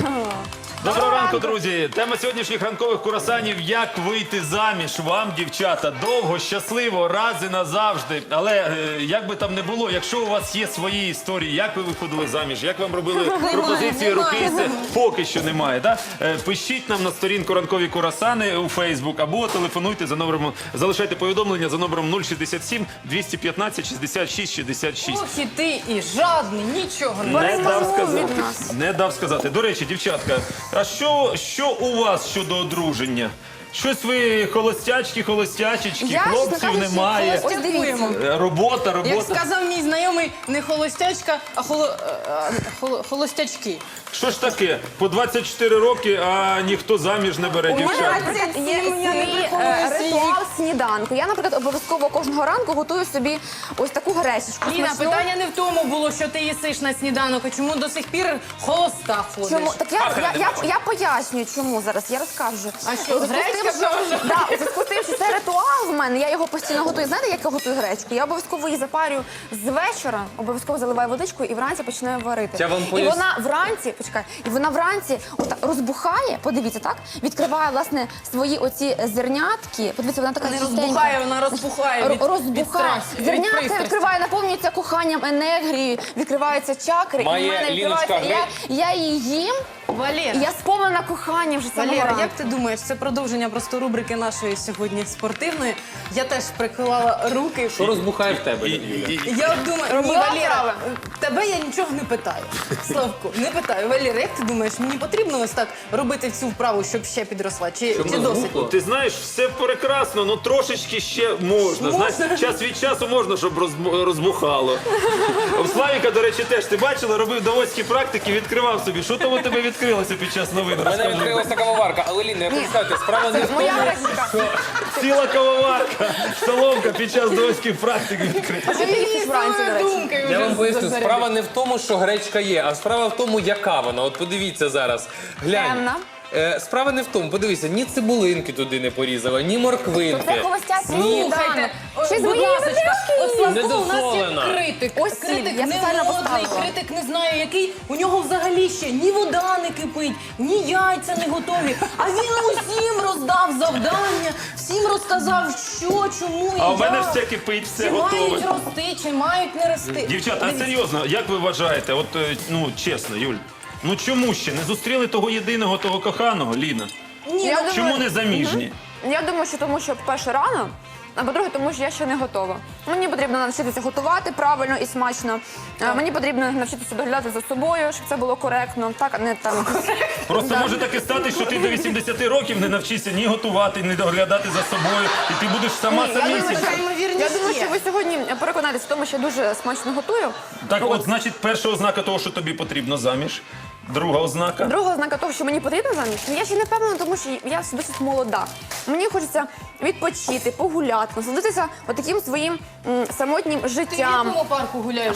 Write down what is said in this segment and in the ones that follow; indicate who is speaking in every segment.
Speaker 1: Доброго ранку, друзі! Тема сьогоднішніх ранкових курасанів – як вийти заміж вам, дівчата, довго, щасливо, раз і назавжди. Але як би там не було, якщо у вас є свої історії, як ви виходили заміж, як вам робили пропозиції руки, поки що немає, так? Пишіть нам на сторінку «Ранкові курасани» у Фейсбук або телефонуйте за номером, залишайте повідомлення за номером 067 215 66 66.
Speaker 2: Ох, і ти і жадний, нічого
Speaker 1: Не дав сказати. Не дав сказати. До речі, дівчатка, а що у вас щодо одруження? Щось ви холостячки, холостячечки, хлопців немає.
Speaker 2: Ось дивіться.
Speaker 1: Робота.
Speaker 2: Як сказав мій знайомий, не холостячка, а холостячки.
Speaker 1: Що ж таке? По 24 роки, а ніхто заміж не бере дівчат.
Speaker 3: Є свій ритуал сніданку. Я, наприклад, обов'язково кожного ранку готую собі ось таку гречечку.
Speaker 2: Ліна,
Speaker 3: смачну.
Speaker 2: питання не в тому було, що ти їсиш на сніданок, а чому до сих пір холоста ходиш.
Speaker 3: Чому? Так я пояснюю, чому зараз, я розкажу.
Speaker 2: А що, гречка вже?
Speaker 3: Да, у зв'язку з тим, що це ритуал в мене, я його постійно готую. Знаєте, як я готую гречку? Я обов'язково її запарюю з вечора, обов'язково заливаю водичкою і вранці починаю варити.
Speaker 4: Я вам
Speaker 3: І
Speaker 4: поясню.
Speaker 3: вона вранці, почекай, і вона вранці розбухає, подивіться, так? Відкриває, власне, свої оці зернятки. Подивіться, вона така
Speaker 2: Не
Speaker 3: чистенька.
Speaker 2: розбухає, вона розпухає від
Speaker 3: Розбухає.
Speaker 2: страсті, від
Speaker 3: Зернятка
Speaker 2: пристрасті.
Speaker 3: відкриває, наповнюється коханням, енергією, відкриваються чакри.
Speaker 4: Має
Speaker 3: і в мене
Speaker 4: Ліночка
Speaker 3: відкривається. Я її їм,
Speaker 2: Валера,
Speaker 3: і я сповнена коханням вже самого
Speaker 2: Валера,
Speaker 3: ранку.
Speaker 2: як ти думаєш, це продовження просто рубрики нашої сьогодні спортивної. Я теж приклала руки.
Speaker 4: Що розбухає в тебе, Юля?
Speaker 2: Я думаю, ні,
Speaker 3: Робила
Speaker 2: Валера,
Speaker 3: вправи.
Speaker 2: тебе я нічого не питаю. Славко, не питаю. Валера, як ти думаєш, мені потрібно ось так робити цю вправу, щоб ще підросла? Чи
Speaker 4: Щоб
Speaker 2: досить?
Speaker 4: розбухло?
Speaker 1: Ти знаєш, все прекрасно, але трошечки ще можна. Знаєш, час від часу можна, щоб розбухало. У Славіка, до речі, теж, ти бачила, робив давоцькі практики, відкривав собі. Що там у тебе відкрилося під час новин?
Speaker 4: У мене
Speaker 1: Розкажи.
Speaker 4: відкрилася кавоварка, але Ліна, я хочу сказати, справа не в тому,
Speaker 3: Моя гречка.
Speaker 1: Ціла кавоварка, соломка під час давоцьких практик відкрита.
Speaker 3: Що ти їсиш вранці, до речі?
Speaker 2: Думкою
Speaker 4: я
Speaker 2: вже
Speaker 4: вам поясню,
Speaker 2: зарядила.
Speaker 4: справа не в тому, що гречка є, а справа в тому, яка вона. От подивіться зараз. Глянь.
Speaker 3: Темна.
Speaker 4: Справа не в тому, подивися, ні цибулинки туди не порізала, ні морквинки.
Speaker 3: Це холостяцький
Speaker 4: Ні.
Speaker 3: сніданок.
Speaker 2: Слухайте,
Speaker 3: Ще з
Speaker 2: будь
Speaker 3: моєї
Speaker 2: ласочка, от Славко, у нас є
Speaker 4: Недозволено.
Speaker 2: критик.
Speaker 3: Ось
Speaker 2: Критик
Speaker 3: я спеціально
Speaker 2: немодний,
Speaker 3: поставила.
Speaker 2: критик не знаю який. У нього взагалі ще ні вода не кипить, ні яйця не готові. А він усім роздав завдання, всім розказав, що, чому і
Speaker 1: А у мене
Speaker 2: як.
Speaker 1: все кипить, все
Speaker 2: Чи
Speaker 1: готове.
Speaker 2: мають рости, чи мають не рости.
Speaker 1: Дівчата, а серйозно, як ви вважаєте, от, ну, чесно, Юль, ну чому ще не зустріли того єдиного, того коханого, Ліна?
Speaker 2: Ні,
Speaker 3: Я
Speaker 2: ну,
Speaker 3: думаю-
Speaker 1: Чому не заміжні?
Speaker 3: Я думаю, що тому, що перше рано, а по-друге, тому що я ще не готова. Мені потрібно навчитися готувати правильно і смачно. Мені потрібно навчитися доглядати за собою, щоб це було коректно. Так, а не там.
Speaker 1: Просто може таке стати, що ти до 80 років не навчишся ні готувати, ні доглядати за собою, і ти будеш сама
Speaker 3: Ні, я думаю,
Speaker 1: самісінька.
Speaker 2: така ймовірність
Speaker 3: Я думаю,
Speaker 2: є.
Speaker 3: що ви сьогодні переконаєтесь в тому, що я дуже смачно готую.
Speaker 1: Так от, значить, перша ознака того, що тобі потрібно заміж. Друга ознака.
Speaker 3: Друга ознака того, що мені потрібно заміж, я ще не впевнена, тому що я досить молода. Мені хочеться відпочити, погуляти, насолодитися таким своїм самотнім
Speaker 2: Ти в
Speaker 3: життям.
Speaker 2: якому парку гуляєш?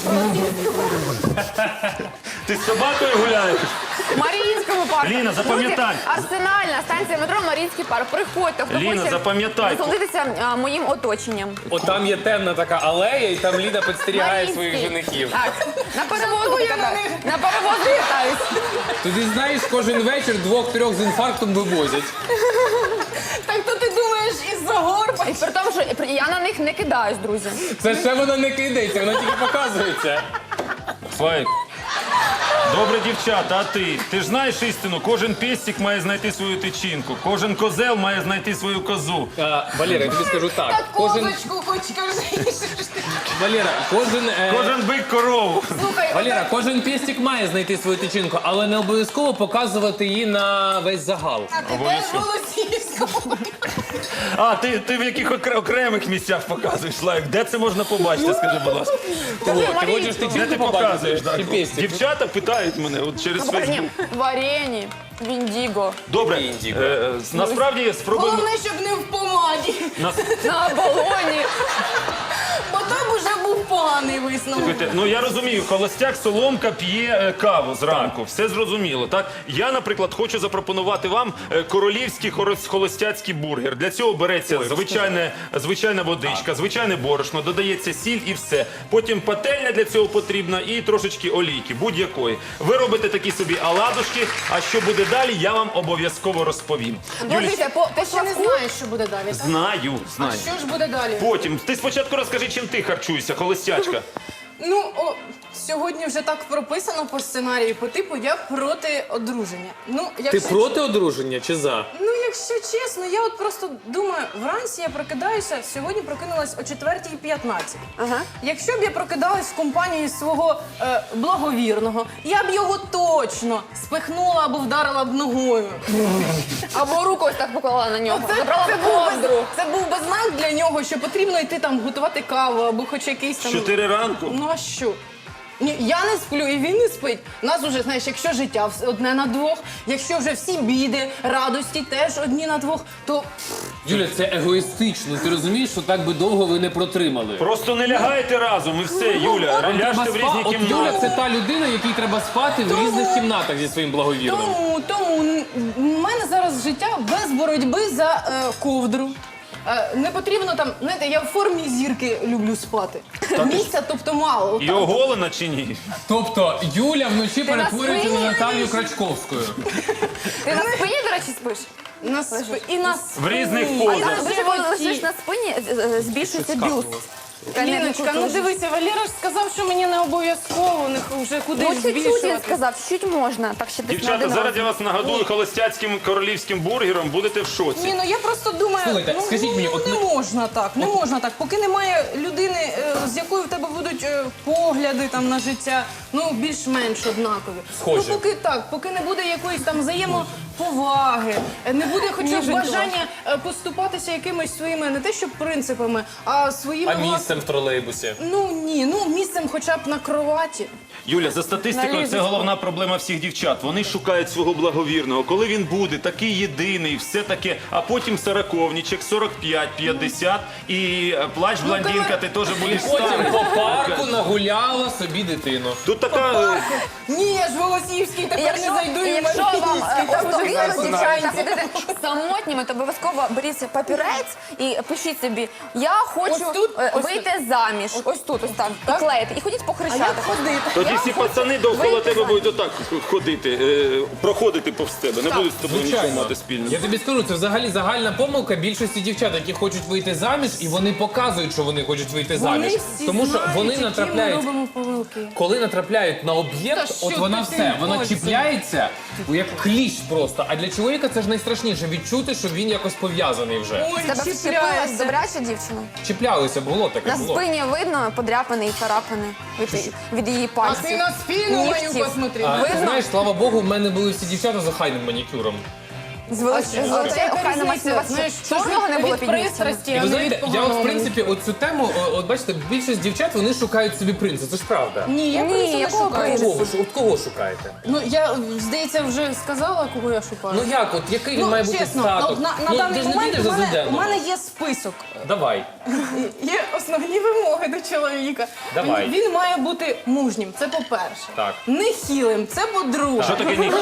Speaker 1: Ти з собакою гуляєш?
Speaker 3: В Маріїнському парку.
Speaker 1: Ліна, запам'ятай.
Speaker 3: Друзі, Арсенальна станція метро Маріїнський парк. Приходьте, хто
Speaker 1: Ліна,
Speaker 3: хоче
Speaker 1: запам'ятай.
Speaker 3: насолодитися моїм оточенням.
Speaker 4: От там є темна така алея, і там Ліна підстерігає своїх
Speaker 3: Маріїнський.
Speaker 4: женихів.
Speaker 3: Так, на перевозку катаюсь. На перевозку катаюсь.
Speaker 4: Туди, знаєш, кожен вечір 2-3 з інфарктом вивозять.
Speaker 2: Так то ти думаєш із-за гор?
Speaker 3: І при тому, що я на них не кидаюсь, друзі.
Speaker 4: Це ще вона не кидається, вона тільки показується.
Speaker 1: Слайк. Добре, дівчата, а ти? Ти ж знаєш істину, кожен пестик має знайти свою тичинку, кожен козел має знайти свою козу.
Speaker 4: Валера, я тобі скажу так.
Speaker 2: Так козочку хоч кажи.
Speaker 4: Валера,
Speaker 1: Кожен бик корову.
Speaker 2: Слухай,
Speaker 4: Валера, кожен пестик має знайти свою тичинку, але не обов'язково показувати її на весь загал.
Speaker 2: а ти теж Голосіївському.
Speaker 1: А, ти в яких окремих місцях показуєш, Слайк? Де це можна побачити, скажи, будь ласка?
Speaker 4: Ти хочеш
Speaker 1: Де
Speaker 4: тичинку
Speaker 1: ти показуєш?
Speaker 4: побачити?
Speaker 1: Так?
Speaker 4: Чи пестик?
Speaker 1: Дівчата питають мене от через
Speaker 3: Ні,
Speaker 1: Фейсбук.
Speaker 3: варені, віндіго,
Speaker 1: Добре,
Speaker 4: Індіго.
Speaker 1: насправді спробуємо...
Speaker 2: Головне, щоб не в помаді.
Speaker 3: на балоні.
Speaker 2: Бо там уже був поганий висновок.
Speaker 1: Слухайте, ну я розумію, холостяк Соломка п'є каву зранку, все зрозуміло, так? Я, наприклад, хочу запропонувати вам королівський холостяцький бургер. Для цього береться звичайна водичка, звичайне борошно, додається сіль і все. Потім пательня для цього потрібна і трошечки олійки, будь-якої. Ви робите такі собі оладушки, а що буде далі, я вам обов'язково розповім.
Speaker 3: Дивіться, по
Speaker 2: Ти ще не
Speaker 3: смаку
Speaker 2: знаєш, що буде далі, так?
Speaker 1: Знаю.
Speaker 2: Що ж буде далі?
Speaker 1: Потім, ти спочатку розкажи, чим ти харчуєшся, холостячка.
Speaker 2: Ну, сьогодні вже так прописано по сценарію, по типу я проти одруження. Ну,
Speaker 4: Ти
Speaker 2: якщо
Speaker 4: проти одруження чи за?
Speaker 2: Ну, якщо чесно, я от просто думаю, вранці я прокидаюся, сьогодні прокинулась о 4:15.
Speaker 3: Ага.
Speaker 2: Якщо б я прокидалась в компанії свого благовірного, я б його точно спихнула або вдарила б ногою.
Speaker 3: або руку ось так поклала на нього, забрала ковдру.
Speaker 2: Це був би знак для нього, що потрібно йти там готувати каву або хоч якийсь там...
Speaker 1: 4 ранку?
Speaker 2: Ну а що? Ні, я не сплю і він не спить. У нас уже, знаєш, якщо життя одне на двох, якщо вже всі біди, радості теж одні на двох, то
Speaker 4: Юля, це егоїстично. Ти розумієш, що так би довго ви не протримали?
Speaker 1: Просто не лягайте разом і все, Юля.
Speaker 4: Вам треба
Speaker 1: Ляжте в різні
Speaker 4: От
Speaker 1: кімнати.
Speaker 4: Юля це та людина, якій треба спати в різних кімнатах зі своїм благовірним.
Speaker 2: Тому в мене зараз життя без боротьби за ковдру. Не потрібно там, знаєте, я в формі зірки люблю спати. Місця, тобто мало.
Speaker 1: І оголена чи ні?
Speaker 4: Тобто Юля вночі
Speaker 3: на
Speaker 4: перетворюється на
Speaker 3: спині
Speaker 4: Наталію Крачковською.
Speaker 3: Ти на спині, до речі, спиш?
Speaker 2: І на
Speaker 1: В різних
Speaker 2: спині.
Speaker 1: позах.
Speaker 3: А дуже коли лежиш на спині, збільшується бюст.
Speaker 2: Ліночка, ну дивися, Валера ж сказав, що мені не обов'язково, вже куди
Speaker 3: Ну,
Speaker 2: ж
Speaker 3: чуть-чуть він
Speaker 2: збільшувати.
Speaker 3: сказав, чуть можна. Так ще десь на
Speaker 1: Дівчата,
Speaker 3: один
Speaker 1: зараз
Speaker 3: раз.
Speaker 1: я вас нагодую холостяцьким королівським бургером, будете в шоці.
Speaker 2: Ні, ну я просто думаю,
Speaker 4: Слухайте,
Speaker 2: ну,
Speaker 4: скажіть мені, от
Speaker 2: не
Speaker 4: ми-
Speaker 2: можна так, не можна так. Поки немає людини, з якою в тебе будуть погляди там на життя, ну більш-менш однакові.
Speaker 4: Схожі.
Speaker 2: Ну поки так, поки не буде якоїсь там взаємоповаги, не буде хоча б бажання поступатися якимись своїми, не те що принципами, а своїми
Speaker 4: А місцем в тролейбусі.
Speaker 2: Ну ні, ну місцем хоча б на кроваті.
Speaker 1: Юля, за статистикою, це головна проблема всіх дівчат. Вони шукають свого благовірного. Коли він буде такий єдиний, все таке, а потім сороковнічок, 45, 50 і плач блондинка, ти теж будеш
Speaker 4: Потім
Speaker 1: старий.
Speaker 4: по парку нагуляла собі дитину.
Speaker 1: Тут така...
Speaker 2: Ні, я ж Голосіївський тепер не зайду і в
Speaker 3: якщо вам
Speaker 2: Маріїнський, там вже
Speaker 3: остогидно
Speaker 2: все
Speaker 3: дівчата
Speaker 2: знають.
Speaker 3: ходити самотніми, то обов'язково беріть папірець і пишіть собі, я хочу
Speaker 2: Ось тут, ось
Speaker 3: вийти заміж. Ось тут, ось так. І клеїти. І ходіть по
Speaker 2: А як
Speaker 3: хрещатах.
Speaker 2: ходити?
Speaker 1: Тоді
Speaker 3: Я
Speaker 1: всі
Speaker 3: хочу
Speaker 1: пацани довкола
Speaker 3: вийти
Speaker 1: тебе
Speaker 3: заміж.
Speaker 1: будуть отак ходити, проходити повз тебе. Не будуть з тобою нічого мати
Speaker 4: Я
Speaker 1: спільного.
Speaker 4: тобі скажу, це взагалі загальна помилка більшості дівчат, які хочуть вийти заміж, і вони показують, що вони хочуть вийти заміж.
Speaker 2: Вони всі
Speaker 4: Тому що
Speaker 2: знають,
Speaker 4: вони
Speaker 2: які ми
Speaker 4: натрапляють.
Speaker 2: робимо помилки.
Speaker 4: Коли натрапляють на
Speaker 2: Та
Speaker 4: об'єкт,
Speaker 2: що
Speaker 4: от вона
Speaker 2: ти
Speaker 4: все, вона
Speaker 2: хочеш?
Speaker 4: чіпляється як кліщ просто. А для чоловіка це ж найстрашніше відчути, що він якось пов'язаний вже.
Speaker 2: Ой,
Speaker 3: Тебе вчепилась
Speaker 2: чіпляється.
Speaker 3: добряча дівчина.
Speaker 4: Чіплялися, було таке
Speaker 3: На
Speaker 4: було.
Speaker 3: спині видно подряпини і царапини від її
Speaker 2: А
Speaker 3: пальців.
Speaker 2: ти на спину мою
Speaker 3: Нігтів.
Speaker 2: посмотри.
Speaker 4: А, ти
Speaker 3: Видно?
Speaker 4: знаєш, слава Богу, в мене були всі дівчата з охайним манікюром.
Speaker 3: З величезною охайно масива. Чорного не було
Speaker 2: від
Speaker 3: під нігтями.
Speaker 2: пристрасті,
Speaker 4: І
Speaker 2: а
Speaker 4: ви
Speaker 2: не
Speaker 4: знаєте,
Speaker 2: від
Speaker 4: я от,
Speaker 2: поганого
Speaker 4: в принципі, от цю тему, от бачите, більшість дівчат, вони шукають собі принца, це ж правда.
Speaker 2: Ні, я
Speaker 3: Ні,
Speaker 2: принцу не
Speaker 3: якого
Speaker 2: шукаю.
Speaker 3: принцу?
Speaker 4: Кого ви, от кого шукаєте?
Speaker 2: Ну, я, здається, вже сказала, кого я шукаю.
Speaker 4: Ну як, от який він має бути
Speaker 2: чесно,
Speaker 4: статок?
Speaker 2: от на
Speaker 4: Ну,
Speaker 2: даний
Speaker 4: ти ж не
Speaker 2: момент
Speaker 4: підеш за
Speaker 2: у
Speaker 4: Зюзяновою.
Speaker 2: мене є список.
Speaker 4: Давай.
Speaker 2: Є основні вимоги до чоловіка.
Speaker 4: Давай.
Speaker 2: Він має бути мужнім, це по-перше.
Speaker 4: Так.
Speaker 2: Нехілим, це по-друге.
Speaker 1: Що таке нехіл?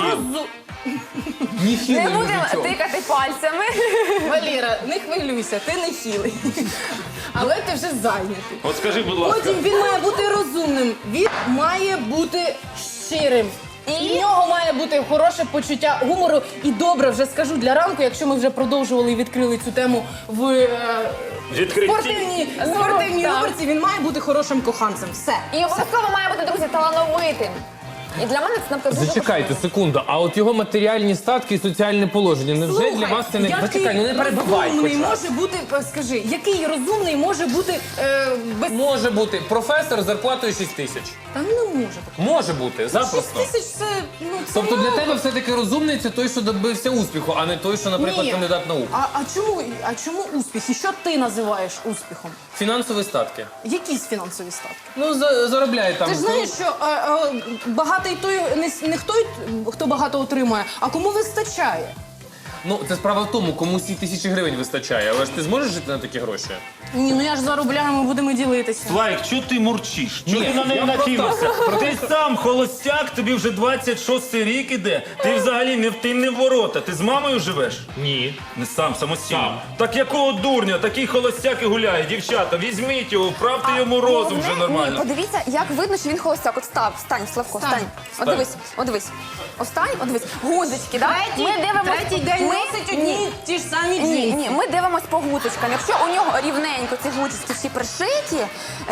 Speaker 4: Ніхіли
Speaker 3: Не будемо тикати пальцями.
Speaker 2: Валера, не хвилюйся, ти не хілий. Але ти вже зайнятий.
Speaker 1: От скажи, будь ласка.
Speaker 2: Потім він має бути розумним, він має бути щирим. І в нього має бути хороше почуття гумору. І добре, вже скажу для ранку, якщо ми вже продовжували і відкрили цю тему в
Speaker 1: Відкритті.
Speaker 2: спортивній
Speaker 3: так.
Speaker 2: рубриці, він має бути хорошим коханцем. Все.
Speaker 3: І обов'язково має бути, друзі, талановитим. І для мене це наприклад, дуже
Speaker 4: Зачекайте секунду, а от його матеріальні статки і соціальне положення, невже для вас це не...
Speaker 2: який
Speaker 4: Зачекай, ну не перебивай хоч
Speaker 2: розумний
Speaker 4: раз.
Speaker 2: може бути, скажи, який розумний може бути без...
Speaker 4: Може бути професор з зарплатою 6 тисяч.
Speaker 2: Та не може бути.
Speaker 4: Може бути,
Speaker 2: 6
Speaker 4: запросто.
Speaker 2: тисяч це, ну, це
Speaker 4: Тобто для
Speaker 2: мало.
Speaker 4: тебе все-таки розумний це той, що добився успіху, а не той, що, наприклад,
Speaker 2: Ні.
Speaker 4: кандидат наук.
Speaker 2: А чому успіх? І що ти називаєш успіхом?
Speaker 4: Фінансові статки.
Speaker 2: Якісь фінансові статки?
Speaker 4: Ну, заробляє там.
Speaker 2: Ти ж знаєш, що багатий той не той, хто багато отримує, а кому вистачає.
Speaker 4: Ну, це справа в тому, кому ці тисячі гривень вистачає, але ж ти зможеш жити на такі гроші?
Speaker 2: Ні, ну я ж заробляю, ми будемо ділитися.
Speaker 1: Слайк, чого ти мурчиш? Чого
Speaker 4: Ні,
Speaker 1: ти на неї
Speaker 4: я просто-
Speaker 1: накинувся? Ти сам холостяк, тобі вже 26-й рік іде. Ти взагалі не в ворота. Ти з мамою живеш?
Speaker 4: Ні.
Speaker 1: Не сам, самостійно. Так якого дурня? Такий холостяк і гуляє. Дівчата, візьміть його, вправте йому розум вже
Speaker 3: Ні,
Speaker 1: нормально.
Speaker 3: подивіться, як видно, що він холостяк. От встань, Славко,
Speaker 2: Встань.
Speaker 3: встань. От дивись, от дивись. Встань, от дивись. Гудзички, так?
Speaker 2: Третій день носить одні ті ж самі
Speaker 3: Ні,
Speaker 2: джинси.
Speaker 3: ні, ми дивимось по гудзичкам. Якщо у нього рівненько ці гудзички всі пришиті,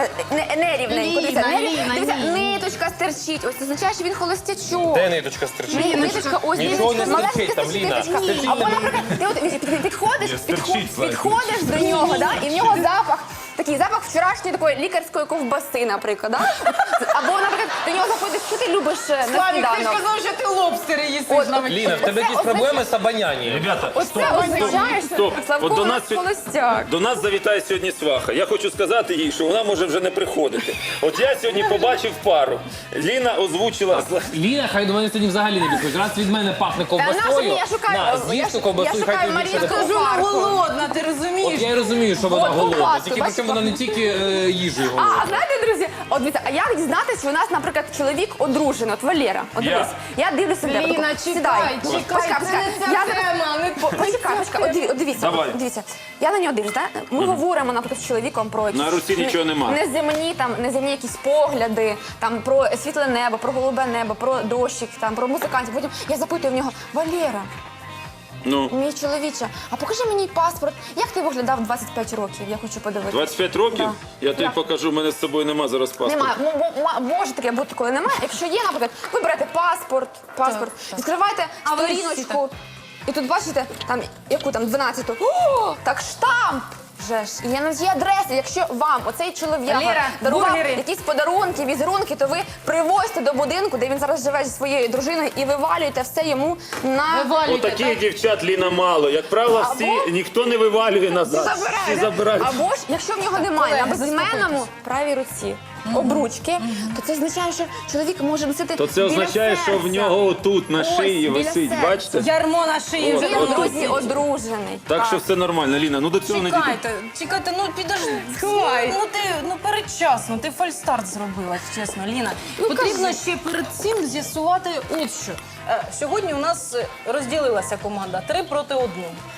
Speaker 3: не рівненько,
Speaker 2: Ліна,
Speaker 3: дивіться,
Speaker 2: Ліна,
Speaker 3: дивіться,
Speaker 2: ні.
Speaker 3: ниточка стерчить. Ось це означає, що він холостячок.
Speaker 4: Де ниточка стерчить?
Speaker 3: Ні, ниточка, ось
Speaker 4: Нічого
Speaker 3: ниточка,
Speaker 4: не
Speaker 3: маленька
Speaker 4: стерчить там,
Speaker 3: стерчить
Speaker 4: Ліна.
Speaker 3: ниточка.
Speaker 4: Стерчить
Speaker 3: Або,
Speaker 4: не
Speaker 3: наприклад, ти от підходиш,
Speaker 1: Ні, стерчить, Слайк.
Speaker 3: підходиш до нього, да, і в нього запах. Такий запах вчорашньої такої лікарської ковбаси, наприклад. Да? Або, наприклад, до нього заходиш, що ти любиш на
Speaker 2: Славік, ти ж
Speaker 3: сніданок.
Speaker 2: казав, що ти лобстери їсиш
Speaker 3: От,
Speaker 2: навіть.
Speaker 4: Ліна, в тебе якісь проблеми з обонянням.
Speaker 1: Ребята,
Speaker 3: Оце означає, що
Speaker 1: стоп.
Speaker 3: Славко
Speaker 1: От до
Speaker 3: у
Speaker 1: нас
Speaker 3: нас
Speaker 1: сьогодні-
Speaker 3: холостяк.
Speaker 1: До нас завітає сьогодні сваха. Я хочу сказати їй, що вона може вже не приходити. От я сьогодні побачив пару. Ліна озвучила.
Speaker 4: Ліна, хай до мене сьогодні взагалі не підходить. Раз від мене пахне
Speaker 3: наша
Speaker 4: ковбасою,
Speaker 3: мені, я шукаю-
Speaker 4: на,
Speaker 3: я
Speaker 4: з'їж ту
Speaker 3: ш-
Speaker 4: ковбасу
Speaker 3: я
Speaker 4: і
Speaker 3: шукаю
Speaker 4: хай тобі
Speaker 3: Марію
Speaker 4: більше не
Speaker 3: Скажу,
Speaker 2: Кажу, вона
Speaker 3: Марку.
Speaker 2: голодна, ти розумієш?
Speaker 4: От я і розумію, що вона
Speaker 3: От
Speaker 4: голодна.
Speaker 3: ковбаску,
Speaker 4: Тільки
Speaker 3: бачиш,
Speaker 4: причому вона не тільки їжею
Speaker 3: А
Speaker 4: голодна.
Speaker 3: знаєте, друзі, от дивіться, а як дізнатися, що у нас, наприклад, чоловік одружений, от Валера, от
Speaker 1: Я.
Speaker 3: дивись, я дивлюся на тебе.
Speaker 2: Ліна,
Speaker 3: таку,
Speaker 2: чекай,
Speaker 3: сідай.
Speaker 2: чекай,
Speaker 3: Почекай,
Speaker 2: це
Speaker 3: почекай.
Speaker 2: не ця
Speaker 3: Я
Speaker 2: тема, не
Speaker 3: Почекай, от дивіться,
Speaker 1: Давай.
Speaker 3: от дивіться. Я на нього дивлюсь, так? Ми говоримо, наприклад, з чоловіком про якісь
Speaker 1: На Русі нічого нема.
Speaker 3: неземні якісь погляди, там про світле небо, про голубе небо, про дощик, там про музикантів. Потім я запитую в нього: Валера,
Speaker 1: Ну,
Speaker 3: мій чоловіче, а покажи мені паспорт. Як ти виглядав 25 років? Я хочу подивитися.
Speaker 1: 25 років?
Speaker 3: Да.
Speaker 1: Я тобі покажу, в мене з собою нема зараз паспорту.
Speaker 3: Немає. Може таке бути, коли немає. Якщо є, наприклад, ви берете паспорт, відкриваєте
Speaker 2: А ви
Speaker 3: сторіночку, і тут бачите, там, яку там, 12-ту. О, так штамп! Вже ж. І є на цій адреси. Якщо вам оцей чолов'яга
Speaker 2: Валера,
Speaker 3: дарував
Speaker 2: бургери.
Speaker 3: якісь подарунки, візерунки, то ви привозьте до будинку, де він зараз живе зі своєю дружиною, і вивалюєте все йому на...
Speaker 2: Вивалюйте,
Speaker 1: Отаких
Speaker 2: так?
Speaker 1: дівчат Ліна мало. Як правило, всі
Speaker 3: Або-
Speaker 1: ніхто не вивалює назад. Всі забирають.
Speaker 3: Або ж, якщо в нього немає на
Speaker 2: Колеги,
Speaker 3: безіменному правій руці обручки, то це означає, що чоловік може носити
Speaker 1: То це
Speaker 3: біля
Speaker 1: означає, що в
Speaker 3: серця.
Speaker 1: нього тут на
Speaker 3: Ось,
Speaker 1: шиї
Speaker 3: біля
Speaker 1: висить.
Speaker 3: серця.
Speaker 1: Бачите?
Speaker 2: Ярмо на шиї вже.
Speaker 3: Він,
Speaker 1: От,
Speaker 3: друзі, одружений.
Speaker 1: Так що все нормально, Ліна. Ну до цього не дійде.
Speaker 2: Чекайте, ну підожди. Сховай. Ну передчасно, ти фальстарт зробила, чесно, Ліна. Потрібно ще перед цим з'ясувати от що. Сьогодні у нас розділилася команда 3 проти 1.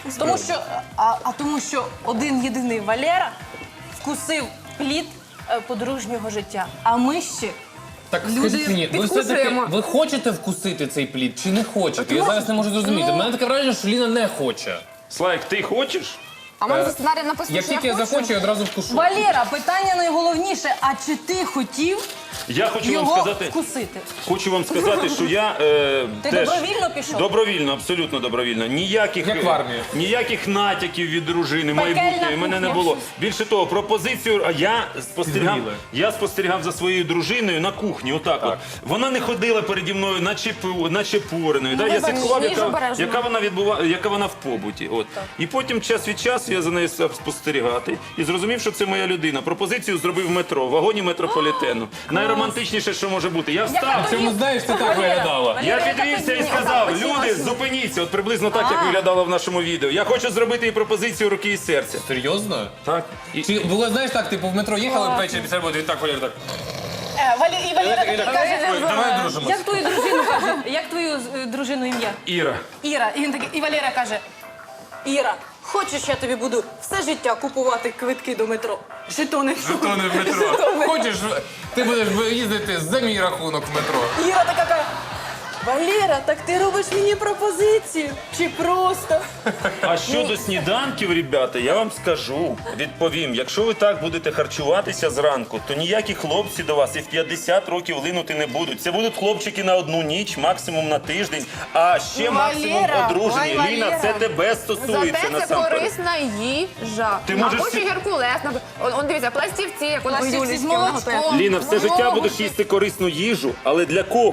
Speaker 2: Тому що один єдиний Валера вкусив плід подружнього життя. А ми ще
Speaker 4: Так
Speaker 2: Люди
Speaker 4: скажіть мені, ви все-таки
Speaker 3: підкусуємо.
Speaker 4: ви хочете вкусити цей плід чи не хочете? Я зараз не можу зрозуміти. У мене таке враження, що Ліна не хоче.
Speaker 1: Слайк, ти хочеш?
Speaker 3: А в мене за сценарієм написано,
Speaker 4: Як
Speaker 3: що
Speaker 4: тільки я
Speaker 3: хочу.
Speaker 4: захочу, я одразу вкушу.
Speaker 2: Валера, питання найголовніше. А чи ти хотів
Speaker 1: Я хочу вам
Speaker 2: його
Speaker 1: сказати.
Speaker 2: вкусити?
Speaker 1: Хочу вам сказати, що я
Speaker 2: Ти
Speaker 1: теж
Speaker 2: добровільно пішов?
Speaker 1: Добровільно, абсолютно добровільно. Ніяких
Speaker 4: Як в армії.
Speaker 1: ніяких натяків від дружини
Speaker 2: Пекельна
Speaker 1: майбутньої в мене не
Speaker 2: кухня.
Speaker 1: було. Більше того, пропозицію. А
Speaker 4: Підгоріли.
Speaker 1: я спостерігав за своєю дружиною на кухні. Отак от. Вона не ходила переді мною, наче пореною. Да? Я
Speaker 3: бачиш,
Speaker 1: слідкував,
Speaker 3: їж обережно.
Speaker 1: яка вона в побуті. От. І потім час від часу я за нею став спостерігати і зрозумів, що це моя людина. Пропозицію зробив в метро, в вагоні метрополітену. Найромантичніше, що може бути. Я встав.
Speaker 4: Чому знаєш, це так виглядало?
Speaker 1: Я підвівся і сказав: люди, зупиніться, от приблизно так, як виглядало в нашому відео. Я хочу зробити їй пропозицію руки і серця.
Speaker 4: Серйозно?
Speaker 1: Так. І...
Speaker 4: Чи було, знаєш, так, типу, в метро їхали ввечері після роботи, і так Валер так.
Speaker 2: І Валера
Speaker 4: І
Speaker 2: такий
Speaker 4: так,
Speaker 2: каже,
Speaker 4: ой, давай дружимось.
Speaker 2: як твою дружину каже, як твою дружину ім'я?
Speaker 1: Іра.
Speaker 2: Іра. І він такий, і Валера каже: Іра, хочеш, я тобі буду все життя купувати квитки до метро? Жетони.
Speaker 4: Жетони в метро. Хочеш, ти будеш їздити за мій рахунок в метро.
Speaker 2: Іра така каже: Валера, так ти робиш мені пропозицію? Чи просто?
Speaker 1: А щодо сніданків, ребята, я вам скажу, відповім, якщо ви так будете харчуватися зранку, то ніякі хлопці до вас і в 50 років линути не будуть. Це будуть хлопчики на одну ніч, максимум на тиждень, а ще максимум
Speaker 2: Валера,
Speaker 1: одружені.
Speaker 3: ой,
Speaker 1: Ліна,
Speaker 3: Валера.
Speaker 1: це тебе стосується
Speaker 3: Зате це
Speaker 1: насамперед.
Speaker 3: корисна їжа.
Speaker 1: Ти можеш
Speaker 3: Або ще
Speaker 1: всі-
Speaker 3: геркулес. Он дивіться, пластівці, як у
Speaker 2: Пластівці
Speaker 3: Юлічки
Speaker 2: з
Speaker 3: вона
Speaker 2: молочком.
Speaker 3: готує.
Speaker 1: Ліна, все життя
Speaker 2: Молочко.
Speaker 1: будеш їсти корисну їжу, але для кого?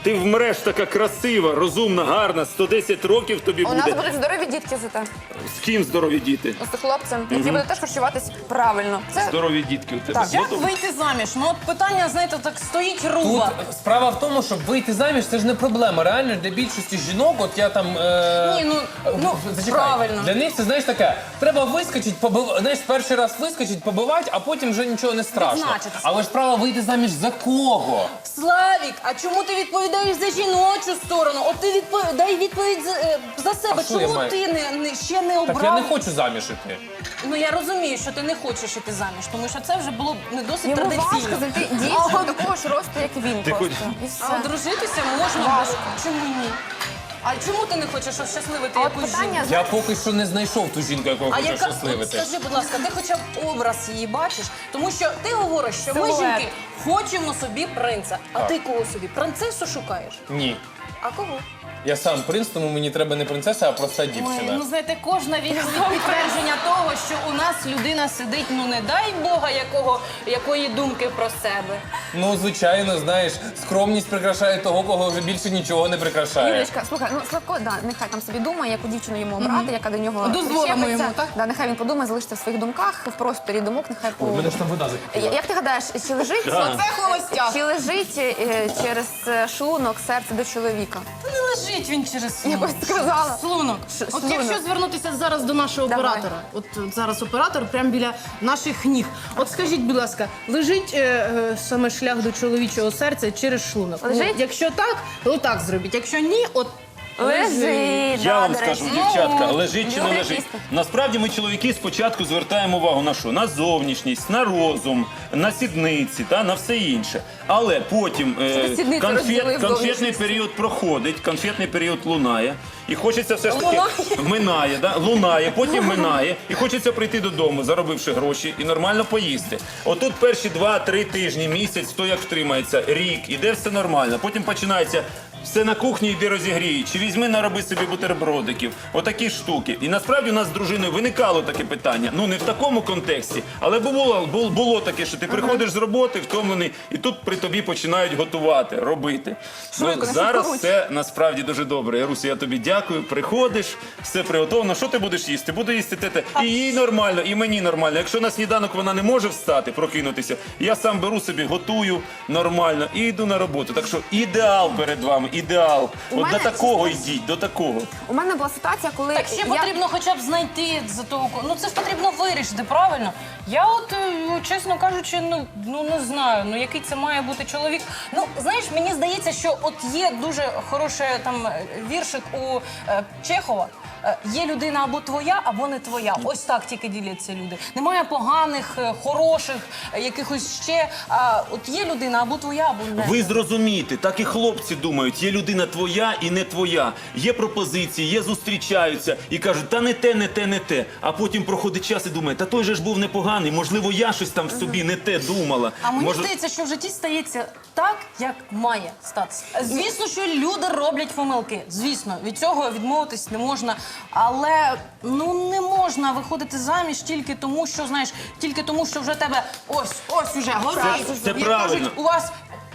Speaker 1: Ти вмреш така красива, розумна, гарна, 110 років тобі
Speaker 3: У нас
Speaker 1: буде.
Speaker 3: будуть здорові дітки зате.
Speaker 1: З ким здорові діти?
Speaker 3: З хлопцем, які будуть теж харчуватись правильно. Це
Speaker 1: Здорові дітки у тебе.
Speaker 3: Так.
Speaker 2: Як
Speaker 1: Готові?
Speaker 2: вийти заміж? Ну от питання, знаєте, так стоїть
Speaker 4: Тут
Speaker 2: руба.
Speaker 4: справа в тому, щоб вийти заміж, це ж не проблема. Реально для більшості жінок, от я там.
Speaker 2: Ні, ну,
Speaker 4: зачекай.
Speaker 2: правильно.
Speaker 4: Для них це знаєш таке. Треба вискочити, знаєш, перший раз вискочити, побивати, а потім вже нічого не страшно.
Speaker 2: Відзначитися.
Speaker 4: Але ж право вийти заміж за кого?
Speaker 2: Славік, а чому ти відповідаєш за жіночу сторону? От ти дай відповідь за себе.
Speaker 4: А що я
Speaker 2: Чому
Speaker 4: маю?
Speaker 2: ти ще не обрав?
Speaker 4: Так я не хочу заміж іти.
Speaker 2: Ну я розумію, що ти не хочеш іти заміж, тому що це вже було не досить
Speaker 3: йому важко
Speaker 2: традиційно.
Speaker 3: знайти
Speaker 2: А
Speaker 3: дівчину
Speaker 2: от-
Speaker 3: такого ж росту, як він
Speaker 1: Ти
Speaker 3: просто.
Speaker 1: хоч-
Speaker 3: І все.
Speaker 2: А одружитися можна.
Speaker 3: Важко.
Speaker 2: Чому ні? А чому ти не хочеш щасливити
Speaker 3: А от
Speaker 2: якусь
Speaker 3: питання,
Speaker 2: жінку?
Speaker 4: Я поки що не знайшов ту жінку, яку
Speaker 2: А
Speaker 4: хочу
Speaker 2: яка, от
Speaker 4: щасливити.
Speaker 2: скажи, будь ласка, ти хоча б образ її бачиш? Тому що ти говориш, що ми,
Speaker 3: Силует.
Speaker 2: жінки, хочемо собі принца. А ти кого собі? Принцесу шукаєш?
Speaker 4: Ні.
Speaker 2: А кого?
Speaker 4: Я сам принц, тому мені треба не принцеса, а проста
Speaker 2: Ой,
Speaker 4: дівчина.
Speaker 2: ну знаєте, кожна відповідь підтвердження того, що у нас людина сидить, ну не дай Бога, якої думки про себе.
Speaker 4: Ну, звичайно, знаєш, скромність прикрашає того, кого вже більше нічого не прикрашає.
Speaker 3: Юлічка, слухай, ну Славко, да, нехай там собі думає, яку дівчину йому обрати, яка до нього
Speaker 2: Дозволимо
Speaker 3: причепиться.
Speaker 2: йому, так?
Speaker 3: Да, нехай він подумає, залишиться в своїх думках, в просторі думок, нехай по...
Speaker 4: У мене ж там вода закипіла.
Speaker 3: Як ти гадаєш, чи лежить,
Speaker 2: Це холостяк.
Speaker 3: чи лежить через шлунок серце до чоловіка?
Speaker 2: Та не лежить він через шлунок.
Speaker 3: Якось сказала.
Speaker 2: Шлунок. От
Speaker 3: шлунок.
Speaker 2: якщо звернутися зараз до нашого
Speaker 3: Давай.
Speaker 2: оператора, от зараз оператор прямо біля наших ніг. От скажіть, будь ласка, лежить саме шлях до чоловічого серця через шлунок?
Speaker 3: Лежить?
Speaker 2: Ну, якщо так, то так зробіть. Якщо ні, от
Speaker 3: Лежить.
Speaker 1: Я
Speaker 3: да,
Speaker 1: вам
Speaker 3: до
Speaker 1: скажу,
Speaker 3: речі.
Speaker 1: дівчатка, лежить чи не
Speaker 3: Люди
Speaker 1: лежить.
Speaker 3: чисто.
Speaker 1: Насправді ми, чоловіки, спочатку звертаємо увагу на що? На зовнішність, на розум, на сідниці та на все інше. Але потім
Speaker 3: ти сідниці розділив
Speaker 1: конфетний
Speaker 3: зовнішність?
Speaker 1: період проходить, конфетний період лунає. І хочеться все ж таки
Speaker 2: Лунає?
Speaker 1: минає, да? Лунає, потім минає, і хочеться прийти додому, заробивши гроші, і нормально поїсти. Отут перші 2-3 тижні, місяць, хто як втримається, рік, іде все нормально. Потім починається. Все на кухні йди розігрій, чи візьми нароби собі бутербродиків, отакі штуки. І насправді у нас з дружиною виникало таке питання. Ну не в такому контексті, але було таке, що ти приходиш з роботи, втомлений, і тут при тобі починають готувати, робити.
Speaker 3: Швидко, не
Speaker 1: Зараз
Speaker 3: швидкоруч.
Speaker 1: все насправді дуже добре. Яруся, я тобі дякую. Приходиш, все приготовлено. Що ти будеш їсти? Буду їсти те. І їй нормально, і мені нормально. Якщо на сніданок вона не може встати, прокинутися, я сам беру собі, готую нормально і йду на роботу. Так що ідеал перед вами. Ідеал.
Speaker 3: У
Speaker 1: От
Speaker 3: мене
Speaker 1: до такого йдіть, до такого.
Speaker 3: У мене була ситуація, коли
Speaker 2: Так ще
Speaker 3: я...
Speaker 2: потрібно хоча б знайти за того. Ну це ж потрібно вирішити, правильно? Я от, чесно кажучи, ну не знаю, ну який це має бути чоловік. Ну, знаєш, мені здається, що от є дуже хороший там віршик у Чехова. Є людина або твоя, або не твоя. Ось так тільки діляться люди. Немає поганих, хороших, якихось ще. От є людина або твоя, або не.
Speaker 1: Ви зрозумієте, так і хлопці думають, є людина твоя і не твоя. Є пропозиції, є зустрічаються і кажуть, та не те, не те, не те. А потім проходить час і думає, та той же ж був непоганий, можливо, я щось там в собі не те думала.
Speaker 2: А мені
Speaker 1: Може-
Speaker 2: здається, що в житті стається так, як має статися. Звісно, що люди роблять помилки. Звісно, від цього відмовитись не можна. Але ну не можна виходити заміж тільки тому, що знаєш, тільки тому, що вже тебе ось уже горить.
Speaker 1: Це
Speaker 2: І
Speaker 1: правильно.
Speaker 2: кажуть, у вас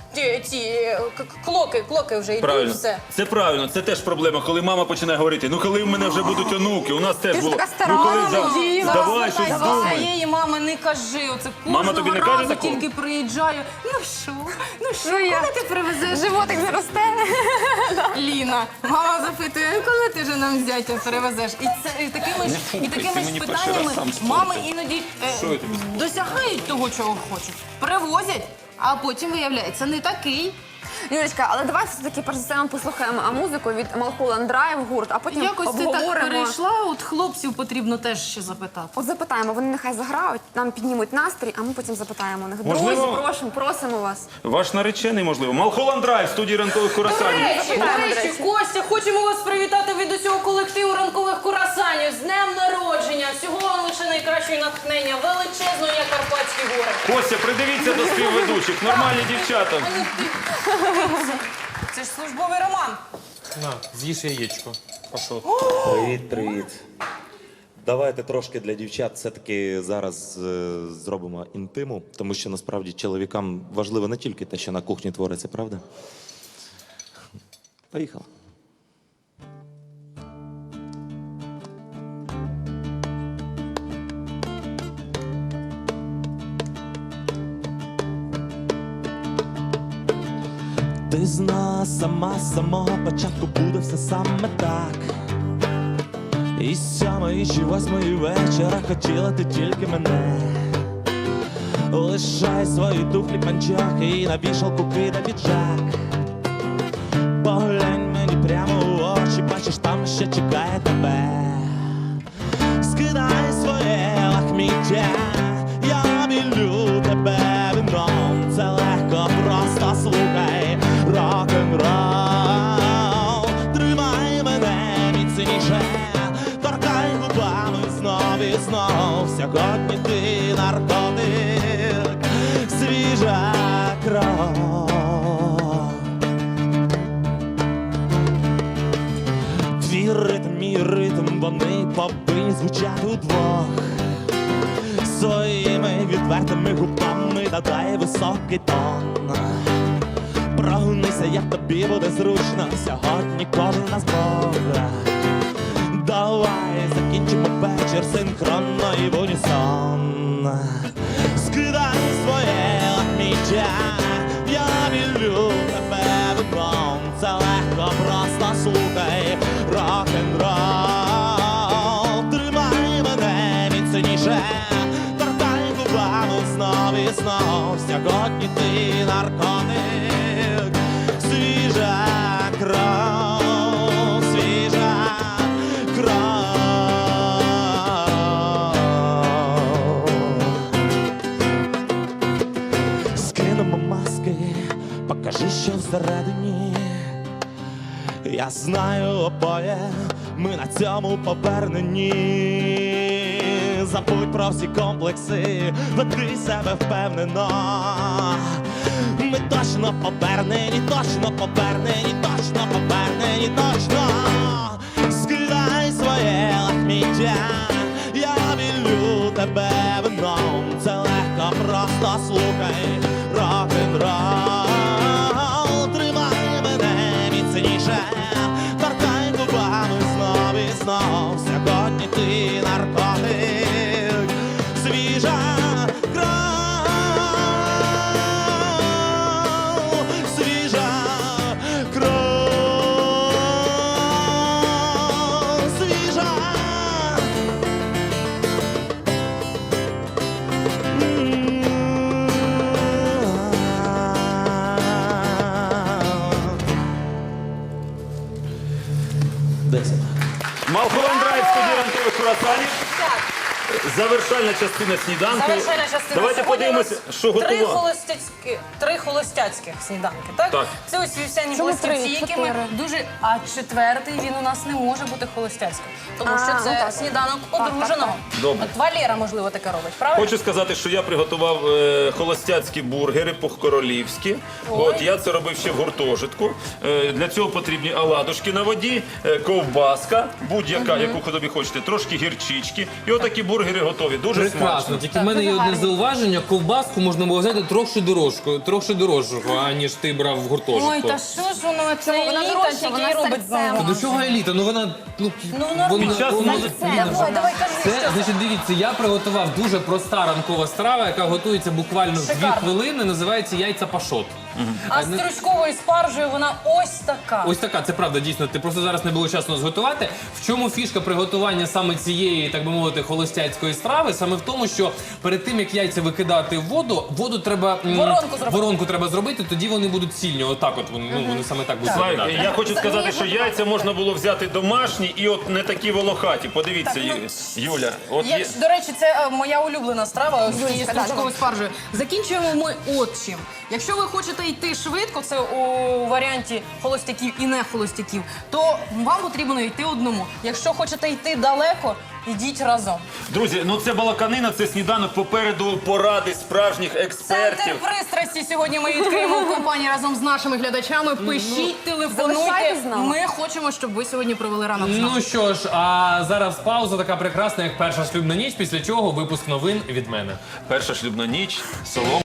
Speaker 2: ці клоки вже йдуть,
Speaker 1: Правильно,
Speaker 2: все.
Speaker 1: це правильно, це теж проблема, коли мама починає говорити, ну коли в мене вже будуть онуки, у нас теж
Speaker 3: Ти ж
Speaker 1: було.
Speaker 3: така стара.
Speaker 1: Ну коли
Speaker 2: Діва,
Speaker 1: давай щось
Speaker 2: слухай,
Speaker 1: думай.
Speaker 2: своєї мами не кажи. Оце
Speaker 1: Мама тобі не
Speaker 2: кожного
Speaker 1: каже
Speaker 2: разу
Speaker 1: такого?
Speaker 2: тільки приїжджаю. Ну що,
Speaker 3: я-
Speaker 2: коли ти привезеш?
Speaker 3: Животик не росте.
Speaker 2: Ліна, мама запитує, коли ти вже нам зятя перевезеш? І такими ж
Speaker 1: ти мені перший
Speaker 2: питаннями
Speaker 1: раз сам скажи.
Speaker 2: мами іноді
Speaker 1: Що я тобі
Speaker 2: досягають того, чого хочуть. Привозять, а потім виявляється не такий.
Speaker 3: Юлечка, але давай все-таки перш за все ми послухаємо музику від Mulholland Drive гурт, а потім
Speaker 2: Якось ти так
Speaker 3: обговоримо.
Speaker 2: перейшла, от хлопців потрібно теж ще запитати.
Speaker 3: От запитаємо, вони нехай заграють, нам піднімуть настрій, а ми потім запитаємо у них.
Speaker 1: Можливо-
Speaker 3: Друзі, просимо вас.
Speaker 1: Ваш наречений, можливо. Малхолланд Драйв, в студії ранкових курасанів.
Speaker 2: До речі, Костя, хочемо вас привітати від усього колективу ранкових курасанів з днем народження. Всього вам лише найкращого натхнення, величезного, як Карпатські гори.
Speaker 1: Костя, придивіться до співведучих, нормальні дівчата.
Speaker 2: Це ж службовий роман.
Speaker 4: На, з'їж яєчко. Пішов.
Speaker 5: Привіт, привіт. Давайте трошки для дівчат все-таки зараз зробимо інтиму, тому що насправді чоловікам важливо не тільки те, що на кухні твориться, правда? Поїхали. Ти знала сама з самого початку буде все саме так. І 7-ї чи 8-ї вечора хотіла ти тільки мене. Лишай свої туфлі панчохи і на вішалку кидай піджак. Поглянь мені прямо у очі, бачиш, там ще чекає тебе. Скидай своє лахміття, я білю тебе вином. Це легко, просто слухай рок-н-рол. Тримай мене міцніше, торкай губами знов і знов. Сьогодні ти наркотик, свіжа кров. Твій ритм, мій ритм, вони повинні звучати удвох. Своїми відвертими губами додай високий тон. Прогнися, як тобі буде зручно, сьогодні кожен нас Бог. Давай закінчимо вечір синхронно і в унісон. Скидай своє лахміття, я вілю тебе вином. Це легко, просто слухай рок-н-рол. Тримай мене міцніше, торкай губами знов і знов. Сьогодні ти наркотик, свіжа кров, свіжа кров. Скинемо маски, покажи, що всередині. Я знаю обоє, ми на цьому повернені. Забудь про всі комплекси, веди себе впевнено. Ми точно повернені, точно повернені, точно повернені, точно. Скидай своє лахміття, я вілю тебе вином. Це легко, просто слухай рок-н-рол. Тримай мене міцніше, торкай губами знов і знов. Сьогодні ти наркотик, свіжа кров, свіжа кров, свіжа.
Speaker 1: Малхолланд Драйв, студія ранкових круасанів. Завершальна частина сніданку.
Speaker 6: Завершальна частина.
Speaker 1: Давайте
Speaker 6: Сьогодні
Speaker 1: подивимося,
Speaker 6: у нас
Speaker 1: що готував.
Speaker 6: три холостяцьких сніданки, так?
Speaker 1: Так.
Speaker 6: Це ось вівсяні
Speaker 3: Чому
Speaker 6: пластівці,
Speaker 3: три?
Speaker 6: які ми
Speaker 3: Чотири.
Speaker 6: дуже... А четвертий, він у нас не може бути холостяцьким. Тому що
Speaker 3: А,
Speaker 6: це
Speaker 3: ну так.
Speaker 6: сніданок
Speaker 3: Так, так,
Speaker 6: одруженого.
Speaker 1: Добре.
Speaker 6: От Валера, можливо, таке робить, правильно?
Speaker 1: Хочу сказати, що я приготував холостяцькі бургери по-королівськи. От я це робив ще в гуртожитку. Для цього потрібні оладушки на воді, ковбаска, будь-яка, яку тобі хочете, трошки гірчички. І отакі бургери готові. Дуже
Speaker 4: Прекрасно.
Speaker 1: смачно.
Speaker 4: Тільки в мене є одне зауваження. Ковбаску можна було взяти трохи дорожчого, аніж ти брав в гуртожитку.
Speaker 6: Ой, та що ж воно, це
Speaker 3: Вона
Speaker 6: еліта,
Speaker 3: дорожча,
Speaker 6: тільки
Speaker 3: вона
Speaker 6: і робить
Speaker 3: серцем.
Speaker 6: знову.
Speaker 4: До чого еліта? Ну вона
Speaker 6: нормально.
Speaker 1: Під час
Speaker 6: Давай, кажи,
Speaker 4: Це, значить, дивіться, я приготував дуже проста ранкова страва, яка готується буквально в 2
Speaker 6: Шикарно.
Speaker 4: хвилини, називається яйця пашот.
Speaker 6: А з стручковою спаржею вона ось така.
Speaker 4: Ось така, це правда, дійсно. Ти просто зараз не було часу зготувати. В чому фішка приготування саме цієї, так би мовити, холостяцької страви? Саме в тому, що перед тим, як яйця викидати в воду треба... Воронку треба зробити, тоді вони будуть цільні. Отак от, вони саме так будуть
Speaker 1: Славік,
Speaker 4: виглядати.
Speaker 1: я хочу сказати, що яйця можна було взяти домашні і от не такі волохаті. Подивіться, Юля. От є...
Speaker 6: До речі, це моя улюблена страва з цією
Speaker 3: Юлечка,
Speaker 6: стручковою спаржею. Закінчуємо ми от чим. Якщо ви хочете йти швидко, це у варіанті холостяків і не холостяків, то вам потрібно йти одному. Якщо хочете йти далеко, йдіть разом.
Speaker 1: Друзі, ну це балаканина, це сніданок, попереду поради справжніх експертів.
Speaker 6: Центр пристрасті сьогодні ми відкриємо в компанії разом з нашими глядачами. Пишіть, телефонуйте.
Speaker 3: залишайтесь з нами.
Speaker 6: Ми хочемо, щоб ви сьогодні провели ранок з нами.
Speaker 4: Ну що ж, а зараз пауза така прекрасна, як перша шлюбна ніч, після чого випуск новин від мене.
Speaker 1: Перша шлюбна ніч, солом.